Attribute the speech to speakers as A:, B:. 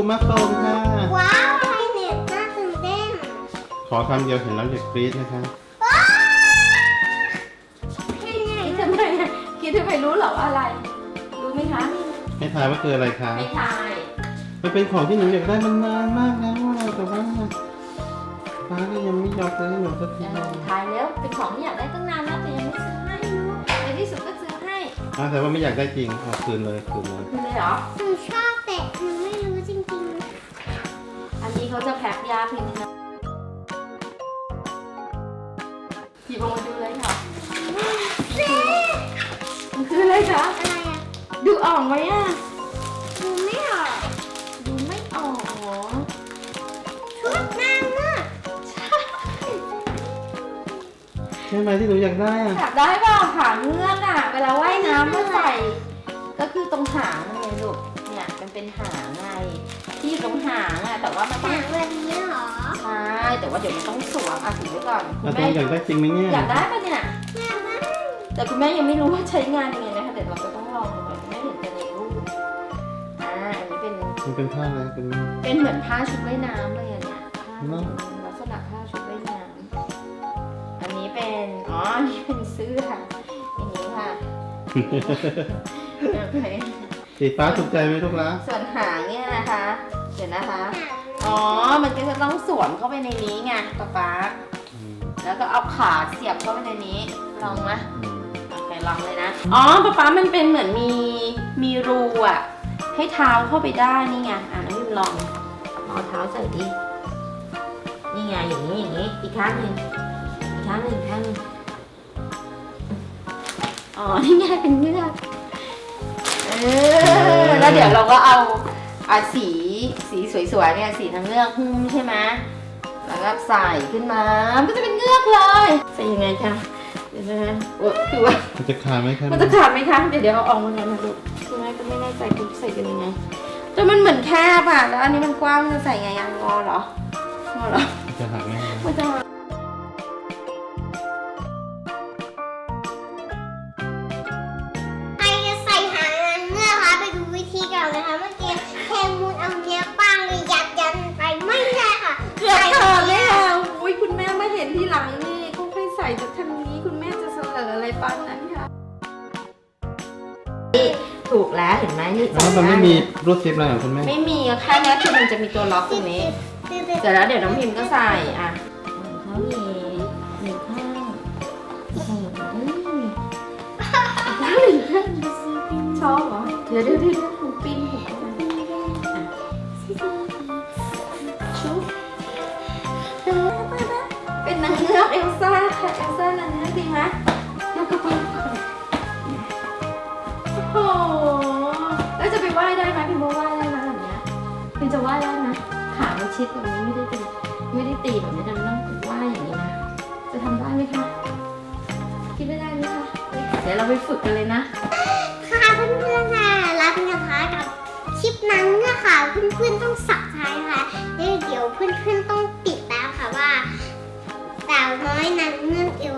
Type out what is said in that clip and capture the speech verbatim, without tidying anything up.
A: มาโฟมค่ะ
B: ว้าวไฮเน็ตน่าตื่นเต้น
A: ขอคำเดียวเห็นแล้วอย่ากรี๊ดนะคะ
C: คิดทำไมคิดทำไมรู้เหรอว่าอะไรรู้ไหมคะ
A: ให้ทายว่าคืออะไรคะ
C: ให้ทาย
A: มันเป็นของที่หนูอยากได้มันนานมากแล้วแต่ว่าป้าก็ยังไม่ยอมซื้อให้หนูสักที
C: ทายแล้วเป็นของที่อยากได้ตั้งนานแล้วแต่ยังไม่ซื้อให้ในที่สุดก็ซื้อให้
A: อ่าแต่ว่าไม่อยากได้จริงเอาคืนเลยคืนเลย
C: คืนเลยเหรอ
B: หนูชอบแต่หนูไม่รู้จริง
C: ๆอันนี้เขาจะแพ็คยาพิมพ์นะหยิบออกมาดูเลยค่ะมันคืออะไรคะ
B: อะไรอ่ะ
C: ดูออกไหมอ่ะ
B: ดูไม่ออก
C: ดูไม่ออกหรอ
B: ชุดนางเงือก
A: ใช่ไหมที่หนูอยากได้อ่ะ
C: อยากได้เปล่าหางเงือกอ่ะเวลาว่ายน้ำก็ใส่ก็คือตรงหางไงลูกเนี่ยมันเป็นหางไงที่อยู่ตรงหางอ่ะแต่ว่ามันต้อง
B: หางแบบนี้เหรอ
C: ใช่แต่ว่าเดี๋ยวมันต้องสวมอ่ะถือไว้ก่อน
A: คุณแม่อยากได้จริงไหมเนี่ย
C: อยากได้ปะเนี่ย
B: อยากได้
C: แต่คุณแม่ยังไม่รู้ว่าใช้งานยังไงนะคะเดี๋ยวเราจะต้องลองดูก่อนคุณแม่เห็นแต่ในรูปอ่าอันนี้เป็น
A: มันเป็นผ้าอะไรเป็น
C: เป็นเหมือนผ้าชุดว่ายน้ำเลยอ่ะเนี่ยลักษณะผ้าชุดว่ายน้ำอันนี้เป็นอ๋ออันนี้เป็นเสื้ออย่างนี้ค่ะโอเค
A: สีฟ้าถูกใจไหมลูกละ
C: ส่วนหางเนี่ยนะคะเดี๋ยวนะคะอ๋อมันก็จะต้องสวมเข้าไปในนี้ไงป๊าป๊าแล้วก็เอาขาเสียบเข้าไปในนี้ลองไหมโอเคลองเลยนะอ๋อป๊าป๊ามันเป็นเหมือนมีมีรูอ่ะให้เท้าเข้าไปได้นี่ไงอ่ะน้องพิมลองเอาเท้าใส่ดินี่ไงอย่างนี้อย่างนี้อีกข้างหนึ่งอีกข้างหนึ่งข้างหนึ่งอ๋อนี่ไงเป็นเงือกเออแล้วเดี๋ยวเราก็เอาเอาสีสีสวยๆเนี่ยสีทั้งเงือกหุ้มใช่ไหมแล้วก็ใส่ขึ้นมาก็จะเป็นเงือกเลยใส่ยังไงคะเดี๋ยวนะโอ้คือว่า
A: มันจะขาดไหมคะ
C: มันจะขาดไหมคะเดี๋ยวเดี๋ยวเอาออกมาแล้วนะลูกคุณแม่ก็ไม่แน่ใจคุณใส่กันยังไงแต่มันเหมือนแคบอ่ะแล้วอันนี้มันกว้างมันจะใส่ไงยังงอเหรองอเหรอ
A: จะหักไหม
C: มันจะ
B: ใครจะใส่หางนางเงือกคะไปดูวิธีก่อนนะคะเมื่อกี้แคมูนเอาเนี้ยป้างเลยยัดยันไปไม่ได้ค่ะ
C: เกือบขาดแล้วอุ้ยคุณแม่มาเห็นทีหลังนี่เขาเคยใส่จากทางนี้คุณแม่จะเสลออะไรปานนั้นค่ะถูกแล้วเห็นไหมนี่
A: แล้วมันไม่มีรูดซิปอะไรของคุณแม่
C: ไม่มีแค่นี้คือมันจะมีตัวล็อกตรงนี้เสร็จแล้วเดี๋ยวน้องพิมก็ใส่อ่ะเขามีหนึ่งข้างอีกข้างหนึ่งข้างหนึ่งข้างชอบเหรอเดี๋ยวเดี๋ยวเดี๋ยวผมปิ้นผมชุบเป็นนางเงือกเอลซ่าค่ะเอลซ่านางเงือกดีไหมแล้วก็ปิ้นโอ้โหแล้วจะไปว่ายได้ไหมพิมพ์ว่าว่ายได้ไหมแบบนี้พิมจะว่ายได้ไหมขามันชิดแบบนี้ไม่ได้ตีไม่ได้ตีแบบนี้แต่มันต้องว่ายอย่างนี้นะจะทำได้ไหมคะคิดไม่ได้ไหมคะเดี๋ยวเราไปฝึกกันเลยนะ
B: ค่ะเพื่อนๆค่ะรับกันนะคะกับคลิปนางเงือกค่ะเพื่อนๆต้องสับท้ายค่ะเดี๋ยวเพื่อนๆต้องติดแล้วค่ะว่าสาวน้อยนางเงือกเอล